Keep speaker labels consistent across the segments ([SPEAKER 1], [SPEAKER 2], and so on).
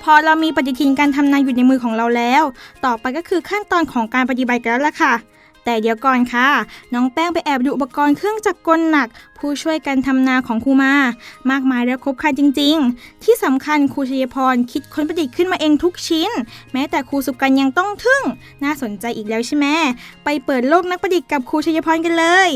[SPEAKER 1] อเรามีปฏิทินการทำนาอยู่ในมือของเราแล้วต่อไปก็คือขั้นตอนของการปฏิบัติกันแล้วล่ะค่ะแต่เดี๋ยวก่อนค่ะน้องแป้งไปแอบดูอุปกรณ์เครื่องจักรกลหนักผู้ช่วยกันทำนาของครูมามากมายและครบครันจริงๆที่สำคัญครูชัยพรคิดค้นประดิษฐ์ขึ้นมาเองทุกชิ้นแม้แต่ครูสุกันยังต้องทึ่งน่าสนใจอีกแล้วใช่ไหมไปเปิดโลกนักประดิษฐ์กับครูชัยพรกันเลย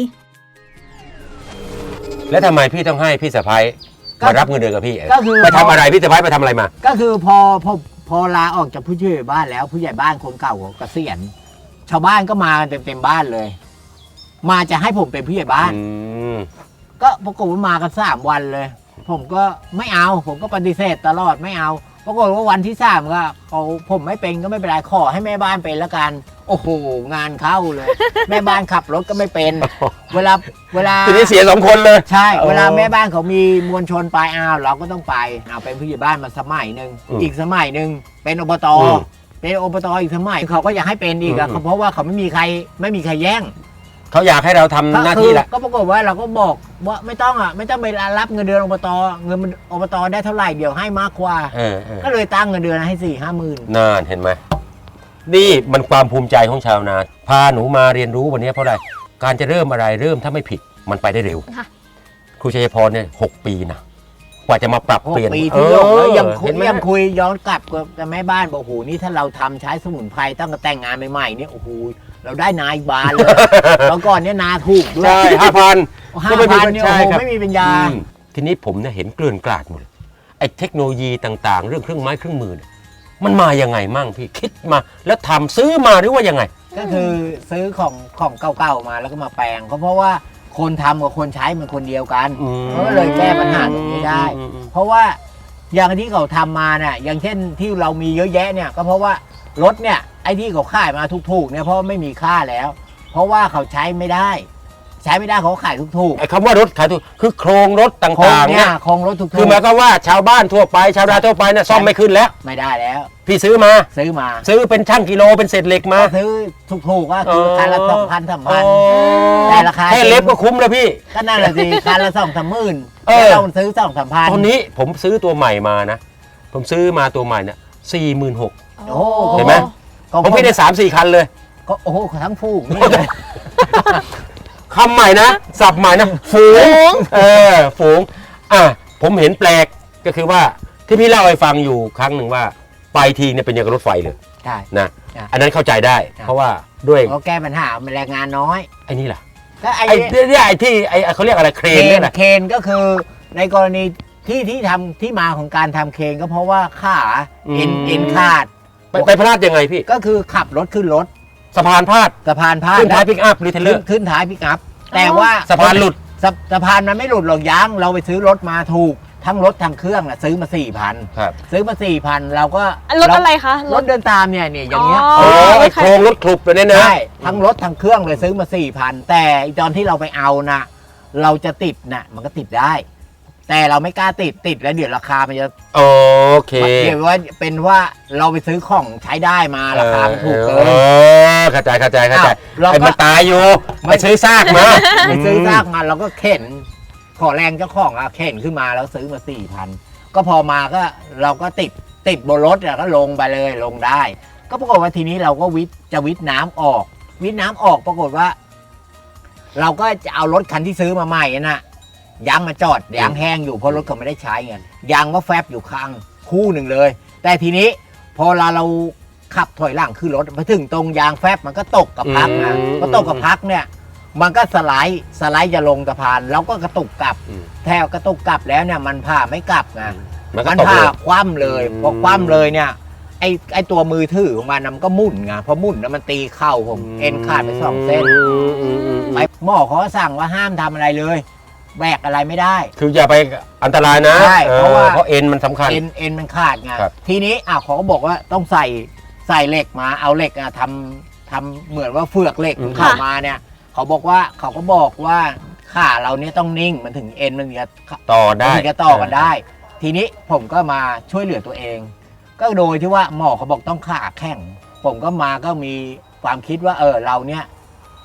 [SPEAKER 2] แล้วทำไมพี่ต้องให้พี่สะพ้ายมารับเงินเดือนกับพี่
[SPEAKER 3] ก็คือ
[SPEAKER 2] ไปทำอะไรพี่สะพ้ายไปทำอะไรมา
[SPEAKER 3] ก็คือพอลาออกจากผู้ช่วยบ้านแล้วผู้ใหญ่บ้านคนเก่าเกษียณชาวบ้านก็มากันเต็มบ้านเลยมาจะให้ผมเป็นผู้ใหญ่บ้านก็ปรากฏว่ามากัน3 วันเลยผมก็ไม่เอาผมก็ปฏิเสธตลอดไม่เอาปรากฏว่าวันที่3ก็ผมไม่เป็นก็ไม่เป็นไรขอให้แม่บ้านเป็นละกันโอ้โหงานเข้าเลย แม่บ้านขับรถก็ไม่เป็นเวลา
[SPEAKER 2] ทีนี้เสีย2 คนเลย
[SPEAKER 3] ใช่เวลาแม่บ้านเขามีมวลชนไปเราก็ต้องไปเป็นผู้ใหญ่บ้านมาสมัยหนึ่งอีกสมัยหนึ่งเป็นอบตเป็นอบตอีกสมัยเขาก็อยากให้เป็นอีกเพราะว่าเขาไม่มีใครแย่ง
[SPEAKER 2] เขาอยากให้เราทำหน้าที่แหละ
[SPEAKER 3] ก็ปรากฏว่าเราก็บอกว่าไม่ต้องไปรับเงินเดือนอบตเงินอบตได้เท่าไหร่เดี๋ยวให้มากกว่าก็เลยตั้งเงินเดือนให้4-5 หมื่น
[SPEAKER 2] นั่นเห็นไหมนี่มันความภูมิใจของชาวนาพาหนูมาเรียนรู้วันนี้เพราะอะไรการจะเริ่มอะไรเริ่มถ้าไม่ผิดมันไปได้เร็วครูชัยพรเนี่ย6 ปีนะกว่าจะมาปรับเปลี่ยน
[SPEAKER 3] ปีที่ยกแล้วยังคุยย้อนกลับกับแม่บ้านบอกโอ้โหนี่ถ้าเราทำใช้สมุนไพรตั้งแต่แต่งงานใหม่ๆเนี่ยโอ้โหเราได้นายบานเลยแล้วก่อนเนี่ยนาถูกด้วย
[SPEAKER 2] ใช่5,000
[SPEAKER 3] ก็ไม่มีปัญญา
[SPEAKER 2] ทีนี้ผมเนี่ยเห็นเกลื่อนกลาดหมดไอ้เทคโนโลยีต่างๆเรื่องเครื่องไม้เครื่องมือมันมายังไงมั่งพี่คิดมาแล้วทำซื้อมาหรือว่ายังไง
[SPEAKER 3] ก็คือซื้อของเก่าๆมาแล้วก็มาแปลงเพราะว่าคนทำกับคนใช้มันคนเดียวกันก็เลยแก้ปัญหาตรงนี้ได้เพราะว่าอย่างที่เขาทำมาเนี่ยอย่างเช่นที่เรามีเยอะแยะเนี่ยก็เพราะว่ารถเนี่ยไอ้ที่เขาขายมาถูกๆเนี่ยเพราะไม่มีค่าแล้วเพราะว่าเขาใช้ไม่ได้เขาขายถูก
[SPEAKER 2] ๆไอ้คำว่ารถขายถูกคือโครงรถต่างๆเนี่ย
[SPEAKER 3] โครงรถถูกๆ
[SPEAKER 2] คือหมายความว่าชาวบ้านทั่วไปชาวนาทั่วไปเนี่ยซ่อมไม่ขึ้นแล้ว
[SPEAKER 3] ไม่ได้แล้ว
[SPEAKER 2] พี่ซื้อเป็นช่างกิโลเป็นเศษเหล็กมา
[SPEAKER 3] ซื้อถูกๆว่าคือคันละ2,000-3,000แต่ราคา
[SPEAKER 2] แค่เล็บก็คุ้มแล้วพี่
[SPEAKER 3] ก็นั่นแหละสิคันละ2-3 หมื่นเราซื้อ2-3,000
[SPEAKER 2] ตอนนี้ผมซื้อตัวใหม่มานะผมซื้อมาตัวใหม่เนี่ย46,000เห็นไหมผมพี่ได้3-4 คันเลย
[SPEAKER 3] ก็โอ้โหทั้งฟูงนี่
[SPEAKER 2] คำใหม่นะศัพท์ใหม่นะฝูงฝูงผมเห็นแปลกก็คือว่าที่พี่เล่าให้ฟังอยู่ครั้งหนึ่งว่าไปทีเนี่ยเป็นอย่างรถไฟเลย
[SPEAKER 3] ใช่
[SPEAKER 2] นะอันนั้นเข้าใจได้เพราะว่าด้วย
[SPEAKER 3] เขาแก้ปัญหาแรงงานน้อย
[SPEAKER 2] ไอ้นี่ล่ะ
[SPEAKER 3] ก็ไอ้
[SPEAKER 2] ที่เขาเรียกอะไรเครนเนี่ย
[SPEAKER 3] เครนก็คือในกรณีที่ทำที่มาของการทำเครนก็เพราะว่าขาเอ็นขาด
[SPEAKER 2] ไปพลาดยังไงพี่
[SPEAKER 3] ก็คือขับรถขึ้นรถ
[SPEAKER 2] สะพานพลาดขึ้นท้ายปิกอัพหรือเทเลอร์
[SPEAKER 3] ขึ้นท้ายปิกอัพแต่ว่า
[SPEAKER 2] สะพานหลุด
[SPEAKER 3] สะพานมันไม่หลุดหรอกยางเราไปซื้อรถมาถูกทั้งรถทั้งเครื่องซื้อมา 4,000
[SPEAKER 2] ครับ
[SPEAKER 3] ซื้อมา 4,000เราก็
[SPEAKER 1] รถอะไรคะ
[SPEAKER 3] รถเดินตามเนี่ยอย่างเงี้ย
[SPEAKER 2] ไอ้โครงรถคลุบเลยเนี่ยนะ
[SPEAKER 3] ใช่ทั้งรถทั้งเครื่องเลยซื้อมา 4,000 แต่ตอนที่เราไปเอานะเราจะติดนะมันก็ติดได้แต่เราไม่กล้าติดแล้วเดี๋ยวราคามันจะ
[SPEAKER 2] โอเค
[SPEAKER 3] เดี๋ยวว่าเป็นว่าเราไปซื้อของใช้ได้มาราคามันถูกเกิน
[SPEAKER 2] เข้าใจไอ้มันตายอยู่ไม่ซื้อซากมา
[SPEAKER 3] เราก็เข็นขอแรงเจ้าของเข็นขึ้นมาแล้วซื้อมา 4,000 ก็พอมาก็เราก็ติดบนรถก็ลงไปเลยลงได้ก็ปรากฏว่าทีนี้เราก็วิทน้ำออกปรากฏว่าเราก็จะเอารถคันที่ซื้อมาใหม่น่ะยางมาจอดยางแห้งอยู่เพราะรถเขาไม่ได้ใช้เงินยางก็แฟบอยู่ข้างคู่หนึ่งเลยแต่ทีนี้พอเราขับถอยหลังขึ้นรถมาถึงตรงยางแฟบมันก็ตกกับพักนะพอตกกับพักเนี่ยมันก็สไลด์จะลงสะพานแล้วก็กระตุกกลับแถวกระตุกกลับแล้วเนี่ยมันผ่าไม่กลับไงมันผ่าคว่ำเลยพอคว่ำเลยเนี่ยไอตัวมือถือของมันก็มุ่นไงพอมุ่นแล้วมันตีเข่าผมเอ็นขาดไป2 เส้นไปหมอเขาสั่งว่าห้ามทำอะไรเลยแบกอะไรไม่ได้
[SPEAKER 2] คืออย่าไปอันตรายนะ
[SPEAKER 3] ใช่เพราะ
[SPEAKER 2] เอ็นมันสำคัญ
[SPEAKER 3] เอ็นมันขาดไงทีนี้เขาก็บอกว่าต้องใส่เหล็กมาเอาเหล็กทำเหมือนว่าเฟือกเหล็กเข้ามาเนี่ยเขาก็บอกว่าขาเราเนี่ยต้องนิ่งมันถึงเอ็นมันจะ
[SPEAKER 2] ต่อได้
[SPEAKER 3] มันจะต่อกันได้ทีนี้ผมก็มาช่วยเหลือตัวเองก็โดยที่ว่าหมอเขาบอกต้องขาแข็งผมก็มีความคิดว่าเราเนี่ย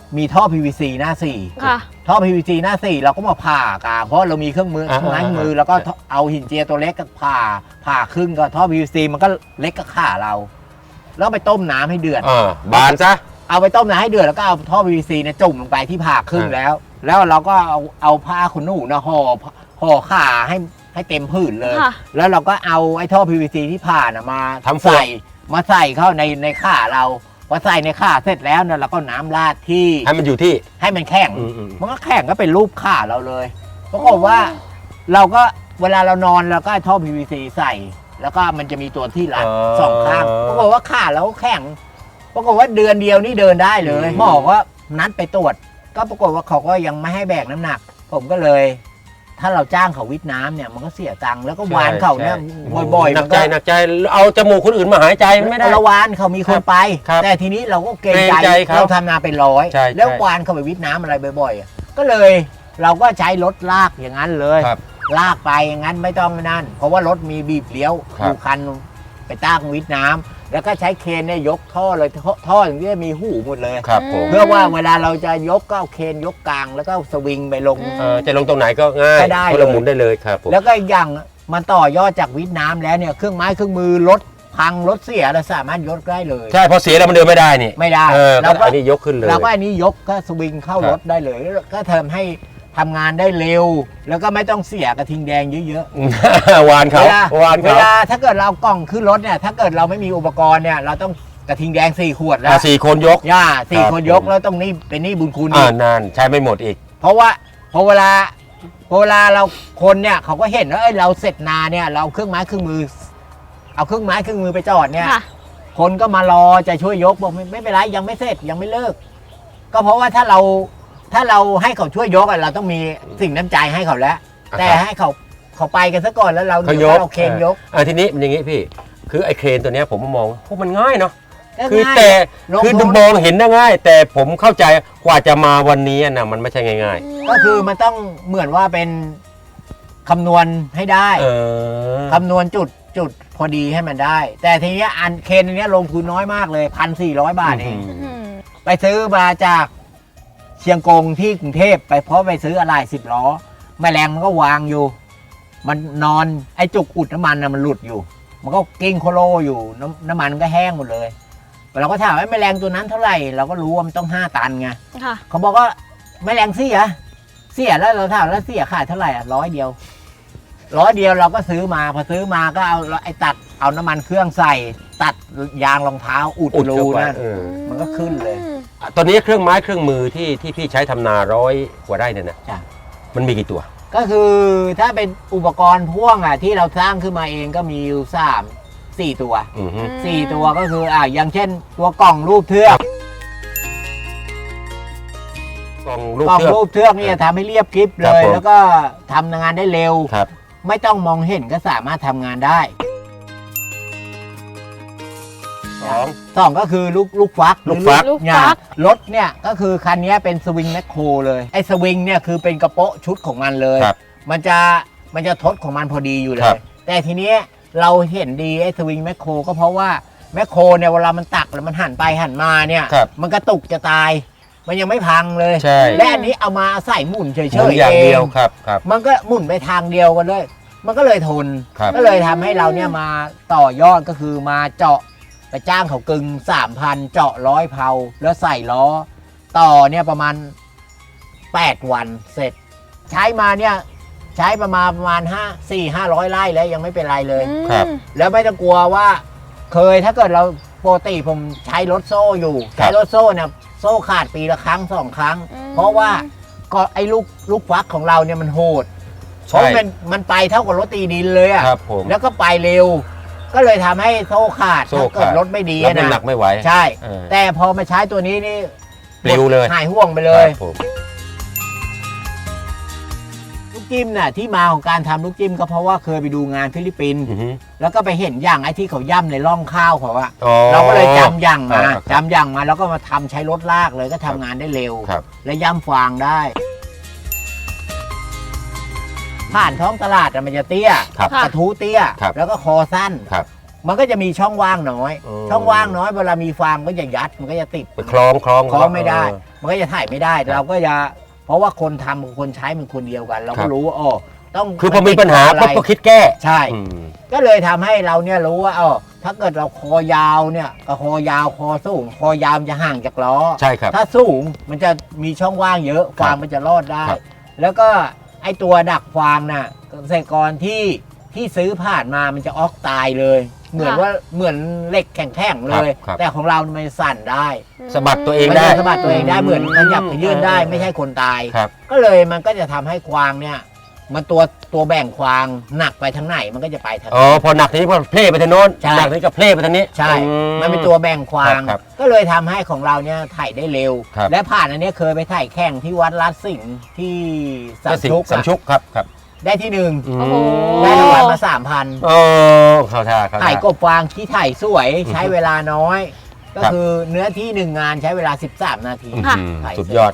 [SPEAKER 3] มีท่อ PVC หน้าสี่
[SPEAKER 4] ค่ะ
[SPEAKER 3] ท่อ PVC หน้าสี่เราก็มาผ่ากลางเพราะเรามีเครื่องมือเครื่องไม้เครื่องมือแล้วก็เอาหินเจียตัวเล็กก็ผ่าครึ่งก็ท่อ PVC มันก็เล็กก็ขาเรา แล้วไปต้มน้ำให้เดือด
[SPEAKER 2] บานซะ
[SPEAKER 3] เอาไปต้มน้ำให้เดือดแล้วก็เอาท่อ PVC เนี่ยจุ่มลงไปที่ผ่าครึ่งแล้ว แล้วเราก็เอาผ้าขนหนูนะห่อขาให้เต็มผืนเลย
[SPEAKER 4] ค่ะ
[SPEAKER 3] แล้วเราก็เอาไอ้ท่อ PVC ที่ผ่านมา
[SPEAKER 2] ทำฝอย
[SPEAKER 3] ใส่เข้าในขาเราพอใส่ในขาเสร็จแล้วเนี่ยเราก็น้ำราดที่
[SPEAKER 2] ให้มันอยู่ที่
[SPEAKER 3] ให้มันแข็ง
[SPEAKER 2] อืม
[SPEAKER 3] มันก็แข็งก็เป็นรูปขาเราเลยปรากฏว่าเราก็เวลาเรานอนเราก็เอาท่อ PVC ใส่ แล้วก็มันจะมีตัวที่รัดสองข้างปรากฏว่าขาเราแข็งปรากฏว่าเดือนเดียวนี่เดินได้เลยหมอก็นัดไปตรวจ ก็ปรากฏว่าเขาก็ยังไม่ให้แบกน้ำหนัก ผมก็เลย ถ้าเราจ้างเขาวิทย์น้ำเนี่ยมันก็เสียตังค์แล้วก็วานเขาเนี่ยบ่อยๆ
[SPEAKER 2] หนั
[SPEAKER 3] มั
[SPEAKER 2] ก
[SPEAKER 3] น
[SPEAKER 2] ใจ
[SPEAKER 3] ก็
[SPEAKER 2] หนักใจเอาจมูกคนอื่นมาหายใจไม่ได้
[SPEAKER 3] ละวานเขามีคนไป
[SPEAKER 2] ครับ
[SPEAKER 3] แต่ทีนี้เราก็เกรง
[SPEAKER 2] เกรง
[SPEAKER 3] ใจ
[SPEAKER 2] ใจเขา
[SPEAKER 3] เราทำนาเป็นร้อย
[SPEAKER 2] ใช่
[SPEAKER 3] แล้ว
[SPEAKER 2] ใช่
[SPEAKER 3] วานเขาไปวิทย์น้ำอะไรบ่อยๆอ่ะก็เลยเราก็ใช้รถลากอย่างนั้นเลย
[SPEAKER 2] ครับ
[SPEAKER 3] ลากไปอย่างนั้นไม่ต้องนั่น เพราะว่ารถมีบีบเลี้ยว
[SPEAKER 2] ครับ
[SPEAKER 3] ดูคันไปตั้งวิทย์น้ำแล้วก็ใช้เครนเนี่ยยกท่อเลยท่ออย่างนี้มีหูหมดเลย
[SPEAKER 2] ครับผม
[SPEAKER 3] เพื่อว่าเวลาเราจะยกก็เอาเครนยกกลางแล้วก็สวิงไปลง
[SPEAKER 2] จะลงตรงไหนก็ง่าย
[SPEAKER 3] ก็ได้
[SPEAKER 2] คนละหมุนได้เลยครับผม
[SPEAKER 3] แล้วก็อีกอย่างมันต่อยอดจากวิทย์น้ำแล้วเนี่ยเครื่องไม้เครื่องมือรถพังรถเสียเราสามารถยกได้เลย
[SPEAKER 2] ใช่พอเสียแล้วมันเดินไม่ได้นี่
[SPEAKER 3] ไม่ได้
[SPEAKER 2] เราก็อันนี้ยกขึ้นเลย
[SPEAKER 3] เราก็อันนี้ยกก็สวิงเข้ารถได้เลยแล้วก็ทำให้ทำงานได้เร็ว แล้วก็ไม่ต้องเสียกระทิงแดงเยอะ
[SPEAKER 2] วาน
[SPEAKER 3] ๆ
[SPEAKER 2] เขาวาน
[SPEAKER 3] เว
[SPEAKER 2] เขา
[SPEAKER 3] ลาถ้าเกิดเราเอากล่องขึ้นรถเนี่ยถ้าเกิดเราไม่มีอุปกรณ์เนี่ยเราต้องกระทิงแดง4 ขวดแล้ว
[SPEAKER 2] สี่คนยก
[SPEAKER 3] สี่
[SPEAKER 2] ครับ
[SPEAKER 3] คนยก
[SPEAKER 2] ผม
[SPEAKER 3] แล้วต้องนี่เป็นหนี่บุญคุณอีก
[SPEAKER 2] นานใช้ไม่หมดอีก
[SPEAKER 3] เพราะว่าพอเวลาเราคนเนี่ยเขาก็เห็นว่าเอ้ยเราเสร็จนาเนี่ยเราเอาเครื่องไม้เครื่องมือ เอาเครื่องไม้เครื่องมือไปจอดเนี่ย
[SPEAKER 4] ค่ะ
[SPEAKER 3] คนก็มารอจะช่วยยกบอกไม่เป็นไรยังไม่เสร็จยังไม่เลิก ก็เพราะว่าถ้าเราให้เขาช่วยยกอะเราต้องมีสิ่งน้ำใจให้เขาแล้ว
[SPEAKER 2] อ่า
[SPEAKER 3] แต่ให้เขาไปกันซะก่อนแล้วเรา
[SPEAKER 2] เขายก
[SPEAKER 3] เราเคนยก
[SPEAKER 2] ทีนี้มันอย่างงี้พี่ คือไอ้เครนตัวเนี้ยผมมองพวกมันง่ายเนาะ
[SPEAKER 3] ก็
[SPEAKER 2] คือ
[SPEAKER 3] ง่าย
[SPEAKER 2] แต่
[SPEAKER 3] ลง
[SPEAKER 2] คือ
[SPEAKER 3] ทุน
[SPEAKER 2] มองเห็นได้ง่าย แต่ผมเข้าใจกว่าจะมาวันนี้นะมันไม่ใช่ง่าย
[SPEAKER 3] ก็คือมันต้องเหมือนว่าเป็นคำนวณให้ได้
[SPEAKER 2] ๆ
[SPEAKER 3] คำนวณจุดพอดีให้มันได้ แต่ทีเนี้ยอันเคนอันเนี้ยลงทุนน้อยมากเลย1,400 บาทเอง ไปซื้อมาจากเชียงกงที่กรุงเทพไปเพราะไปซื้ออะไร10 ล้อแมลงมันก็วางอยู่ มันนอนไอ้จุกอุดน้ำมันนะมันหลุดอยู่ มันก็กิ้งโคโลอยู่น้ำมันก็แห้งหมดเลยเราก็ถามว่าแมลงตัวนั้นเท่าไหร่เราก็รู้ว่ามันต้อง5 ตันไง
[SPEAKER 4] ค่ะ
[SPEAKER 3] เขาบอกว่าแมลงเสียแล้วเราถามแล้วเสียขายเท่าไหร่100 เดียวเราก็ซื้อมาพอซื้อมาก็เอาไอ้ตัดเอาน้ำมันเครื่องใส่ตัดยางรองเท้าอุด
[SPEAKER 2] อุด
[SPEAKER 3] รู
[SPEAKER 2] เข้าไป
[SPEAKER 3] นั่น มันก็ขึ้นเลย
[SPEAKER 2] ตอนนี้เครื่องไม้เครื่องมือที่พี่ใช้ทำนา100 กว่าไร่เนี่ยนะ
[SPEAKER 3] จ้ะ
[SPEAKER 2] มันมีกี่ตัว
[SPEAKER 3] ก็คือถ้าเป็นอุปกรณ์พ่วงอ่ะที่เราสร้างขึ้นมาเองก็มีอยู่4 ตัว
[SPEAKER 2] อือฮึ
[SPEAKER 3] 4 ตัวก็คืออย่างเช่น ตัวกล่องรูปเทือก
[SPEAKER 2] กล่องลูก
[SPEAKER 3] กล่อง
[SPEAKER 2] เชือก
[SPEAKER 3] รูปเทือกนี่จะทำให้เรียบกริบ
[SPEAKER 2] ค
[SPEAKER 3] เล
[SPEAKER 2] รับ
[SPEAKER 3] ย
[SPEAKER 2] ผม
[SPEAKER 3] แล้วก็ทำงานได้เร็ว
[SPEAKER 2] ครับ
[SPEAKER 3] ไม่ต้องมองเห็นก็สามารถทำงานได้
[SPEAKER 2] สอง
[SPEAKER 3] 2ก็คือลูกฟัก
[SPEAKER 2] ลูกฟัก
[SPEAKER 3] หรือ
[SPEAKER 4] ลูกฟัก
[SPEAKER 3] เนี่ยรถเนี่ยก็คือคันนี้เป็นสวิงแมคโครเลยไอ้สวิงเนี่ยคือเป็นกระโปะชุดของมันเลย
[SPEAKER 2] ครับ
[SPEAKER 3] มันจะทดของมันพอดีอยู่เล
[SPEAKER 2] ครั
[SPEAKER 3] ย
[SPEAKER 2] บ
[SPEAKER 3] แต่ทีนี้เราเห็นดีไอ้สวิงแมคโครก็เพราะว่าแมคโครเนี่ยเวลามันตักแล้วมันหันไปหันมาเนี่ย
[SPEAKER 2] ครับ
[SPEAKER 3] มันกระตุกจะตาย มันยังไม่พังเลย
[SPEAKER 2] ใช่
[SPEAKER 3] และอันนี้เอามาใส่หมุนเฉย
[SPEAKER 2] หมุน
[SPEAKER 3] ๆ
[SPEAKER 2] อย่างเดียว
[SPEAKER 3] อง
[SPEAKER 2] ครับครับ
[SPEAKER 3] มันก็หมุนไปทางเดียวกันเลย มันก็เลยทน
[SPEAKER 2] ครับ
[SPEAKER 3] ก็เลยทำให้เราเนี่ยมาต่อยอดก็คือมาเจาะไปจ้างเขากึง 3,000 เจาะ100 เพลาแล้วใส่ล้อ ต่อเนี่ยประมาณ 8 วันเสร็จ ใช้มาเนี่ยใช้ประมาณ500 ไร่แล้วยังไม่เป็นไรเลย
[SPEAKER 2] ครับ
[SPEAKER 3] แล้วไม่ต้องกลัวว่าเคยถ้าเกิดเราปกติผมใช้รถโซ่อยู่
[SPEAKER 2] ครับ
[SPEAKER 3] ใช้รถโซ่เนี่ยโซ่ขาดปีละครั้ง 2 ครั้ง เพราะว่าก็ไอ้ลูกฟักของเราเนี่ยมันโหดเพราะมันไปเท่ากับรถตีดินเลยอะ
[SPEAKER 2] ครับผม
[SPEAKER 3] แล้วก็ไปเร็ว ก็เลยทำให้โซ่ขาด
[SPEAKER 2] โซ่
[SPEAKER 3] ถ้าเกิด
[SPEAKER 2] ขาด
[SPEAKER 3] รถไม่ดี
[SPEAKER 2] แล้วมัน
[SPEAKER 3] นะ
[SPEAKER 2] หนักไม่ไหว
[SPEAKER 3] ใช่
[SPEAKER 2] เออ
[SPEAKER 3] แต่พอมาใช้ตัวนี้นี่
[SPEAKER 2] ปลิวเลย
[SPEAKER 3] หายห่วงไปเลย
[SPEAKER 2] ครับผม
[SPEAKER 3] ลูกจิ้มน่ะที่มาของการทำลูกจิ้มก็เพราะว่าเคยไปดูงานฟิลิปปินส์
[SPEAKER 2] อือฮึ
[SPEAKER 3] แล้วก็ไปเห็นอย่างไอ้ที่เขาย่ำในร่องข้าวเขาอะ
[SPEAKER 2] อ๋อ
[SPEAKER 3] เราก็เลยจำอย่างมา
[SPEAKER 2] ครับ
[SPEAKER 3] จำอย่างมาแล้วก็มาทำใช้รถลากเลยก็ทำงานได้เร็ว
[SPEAKER 2] ครับ
[SPEAKER 3] และย่ำฟางได้ ผ่านท้องตลาดอะมันจะเตี้ย
[SPEAKER 2] ครับ
[SPEAKER 4] ค่ะ
[SPEAKER 3] กระทู้เตี้ย
[SPEAKER 2] ครับ
[SPEAKER 3] แล้วก็คอสั้น
[SPEAKER 2] ครับ
[SPEAKER 3] มันก็จะมีช่องว่างน้อย
[SPEAKER 2] อืม
[SPEAKER 3] ช่องว่างน้อยเวลามีฟางก็จะยัดมันก็จะติด
[SPEAKER 2] ไปคล้อง
[SPEAKER 3] คล้องไม่ได้มันก็จะถ่ายไม่ได้
[SPEAKER 2] ครับ
[SPEAKER 3] เราก็จะเพราะว่าคนทำกับคนใช้มันคนเดียวกัน เรา
[SPEAKER 2] ครั
[SPEAKER 3] ก็
[SPEAKER 2] บ
[SPEAKER 3] รู้ว่าอ๋อต้อง
[SPEAKER 2] คือพอมีปัญหา
[SPEAKER 3] อะไร
[SPEAKER 2] ปั๊บก็คิดแก้
[SPEAKER 3] ใช่
[SPEAKER 2] อืม
[SPEAKER 3] ก็เลยทำให้เราเนี่ยรู้ว่าอ๋อถ้าเกิดเราคอยาวเนี่ยกับคอยาวคอสูงคอยาวมันจะห่างจากล้อ
[SPEAKER 2] ใช่ครับ
[SPEAKER 3] ถ้าสูงมันจะมีช่องว่างเยอะ
[SPEAKER 2] ครับ
[SPEAKER 3] ฟางมันจะรอดได้
[SPEAKER 2] ครับ
[SPEAKER 3] แล้วก็ไอตัวดักฟางน่ะเกษตรกรที่ซื้อผ่านมามันจะออกตายเลย เหมือนว่าเหมือนเหล็กแข็งๆเลย
[SPEAKER 2] ครับ
[SPEAKER 3] แต่ของเรามันสั่นได้
[SPEAKER 2] สะบัดตัวเอง
[SPEAKER 3] มัน
[SPEAKER 2] ได้
[SPEAKER 3] จะสะบัดตัวเองได้เหมือนขยับขยื่นได้ไม่ใช่คนตาย
[SPEAKER 2] ครับ
[SPEAKER 3] ก็เลยมันก็จะทำให้ควางเนี่ย มันตัวแบ่งควางหนักไปทางไหนมันก็จะไปทาง
[SPEAKER 2] อ๋อ
[SPEAKER 3] นั้น
[SPEAKER 2] พอหนักทีนี้พอเพลไปทางโน้น
[SPEAKER 3] ใช่
[SPEAKER 2] หนักทีนี้ก็เพลไปทางนี้
[SPEAKER 3] ใช่
[SPEAKER 2] อื
[SPEAKER 3] มันเป็นตัวแบ่งควาง
[SPEAKER 2] ครับ
[SPEAKER 3] ก็เลยทำให้ของเราเนี่ยถ่ายได้เร็ว
[SPEAKER 2] ครับ
[SPEAKER 3] และผ่านอันเนี้ยเคยไปถ่ายแข่งที่วัดลาดสิงห์ที่สามชุก
[SPEAKER 2] สาม
[SPEAKER 3] อะ
[SPEAKER 2] ชุกครับครับ
[SPEAKER 3] ได้ที่หนึ่ง
[SPEAKER 2] อืม
[SPEAKER 1] โอ้โห
[SPEAKER 3] ได้รางวัลมา3,000
[SPEAKER 2] โอ้เข้าท่าเข้า
[SPEAKER 3] ถ่าย
[SPEAKER 2] ท่าก
[SPEAKER 3] บฟางที่ถ่ายสวย
[SPEAKER 2] อือฮึ
[SPEAKER 3] ใช้เวลาน้อย ก็
[SPEAKER 2] ครับ
[SPEAKER 3] คือเนื้อที่หนึ่งงานใช้เวลา 13 นาที
[SPEAKER 2] อื้อ
[SPEAKER 1] ค่ะ
[SPEAKER 2] หือ
[SPEAKER 3] ถ่าย
[SPEAKER 2] สุดยอด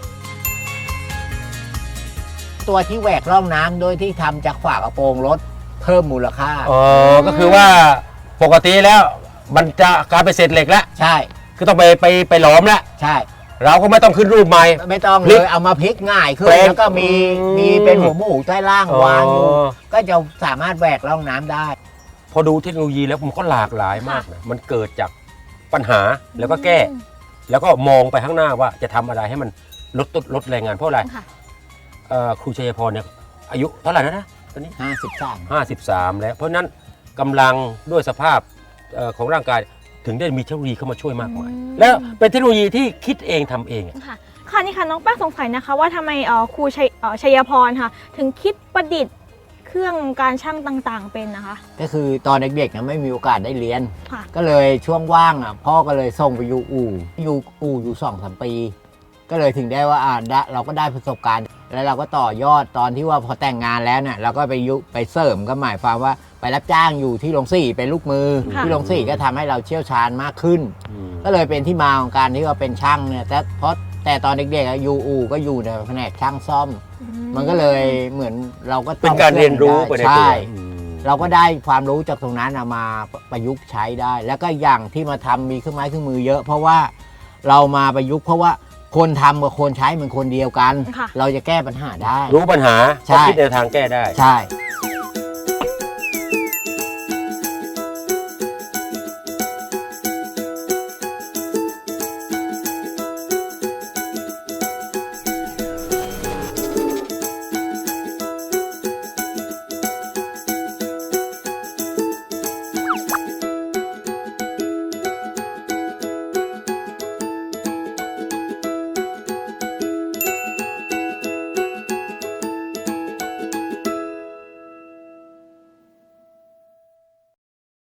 [SPEAKER 3] ตัวที่แหวกร่องน้ำโดยที่ทำจากฝากระโปรงรถเพิ่มมูลค่า
[SPEAKER 2] อ๋อ ก็คือว่าปกติแล้ว มันจะกลายเป็นเศษเหล็กแล้ว
[SPEAKER 3] ใช่
[SPEAKER 2] คือต้องไปหลอมแล้ว
[SPEAKER 3] ใช่
[SPEAKER 2] เราก็ไม่ต้องขึ้นรูปใหม่
[SPEAKER 3] ไม่ต้อง
[SPEAKER 2] พลิ
[SPEAKER 3] เล
[SPEAKER 2] ก
[SPEAKER 3] ยเอามาพลิกง่ายขึ้น
[SPEAKER 2] แปลง
[SPEAKER 3] แล้วก็มี
[SPEAKER 2] อืม
[SPEAKER 3] เป็นหัวหมูใต้ล่าง
[SPEAKER 2] อ๋อ
[SPEAKER 3] วางอยู่ ก็จะสามารถแหวกร่องน้ำได้
[SPEAKER 2] พอดูเทคโนโลยีแล้วมันก็หลากหลายมากนะมันเกิดจากปัญหาแล้วก็แก้ แล้วก็มองไปข้างหน้าว่าจะทำอะไรให้มันลดแรงงานเพราะอะไร
[SPEAKER 1] ค่ะ
[SPEAKER 2] ครูชัยพรเนี่ยอายุเท่าไหร่แล้วนะตอนนี้
[SPEAKER 3] 53
[SPEAKER 2] 53 แล้ว เพราะฉะนั้นกำลังด้วยสภาพของร่างกายถึงได้มีเทคโนโลยีเข้ามาช่วยมากมาย แล้วเป็นเทคโนโลยีที่คิดเองทำเองอะ
[SPEAKER 1] ค่ะค่ะนี่ค่ะน้องแป้งสงสัยนะคะว่าทำไมครูชัยพรค่ะ ถึงคิดประดิษฐ์เครื่องการช่างต่างๆเป็นนะคะ
[SPEAKER 3] ก็คือตอนเด็กๆนะไม่มีโอกาสได้เรียน
[SPEAKER 1] ค่ะ
[SPEAKER 3] ก็เลยช่วงว่างอ่ะพ่อก็เลยส่งไปอยู่อู่อยู่2-3 ปี ก็เลยถึงได้ว่าเราก็ได้ประสบการณ์ แล้วเราก็ต่อยอดตอนที่ว่าพอแต่งงานแล้วเนี่ยเราก็ไปเสริมก็หมายความว่าไปรับจ้างอยู่ที่โรงสีเป็นลูกมือ
[SPEAKER 1] ค่ะ
[SPEAKER 3] ที่โรงสีก็ทำให้เราเชี่ยวชาญมากขึ้น ก็เลยเป็นที่มาของการที่ว่าเป็นช่างเนี่ยแต่ตอนเด็กๆอะอยู่อู่ก็อยู่ในแผนกช่างซ่อม มันก็เลยเหมือนเราก็
[SPEAKER 2] เป็นการเรียนรู้ไปในตัว
[SPEAKER 3] ใช่เราก็ได้ความรู้จากตรงนั้นเอามาประยุกต์ใช้ได้ แล้วก็อย่างที่มาทำมีเครื่องไม้เครื่องมือเยอะ เพราะว่าเรามาประยุกต์เพราะว่าคนทำกับคนใช้มันคนเดียวกัน
[SPEAKER 1] ค่ะ
[SPEAKER 3] เราจะแก้ปัญหาได้
[SPEAKER 2] รู้ปัญหา
[SPEAKER 3] ใช่
[SPEAKER 2] ก็คิดแนวทางแก้ได้
[SPEAKER 3] ใช่
[SPEAKER 1] ค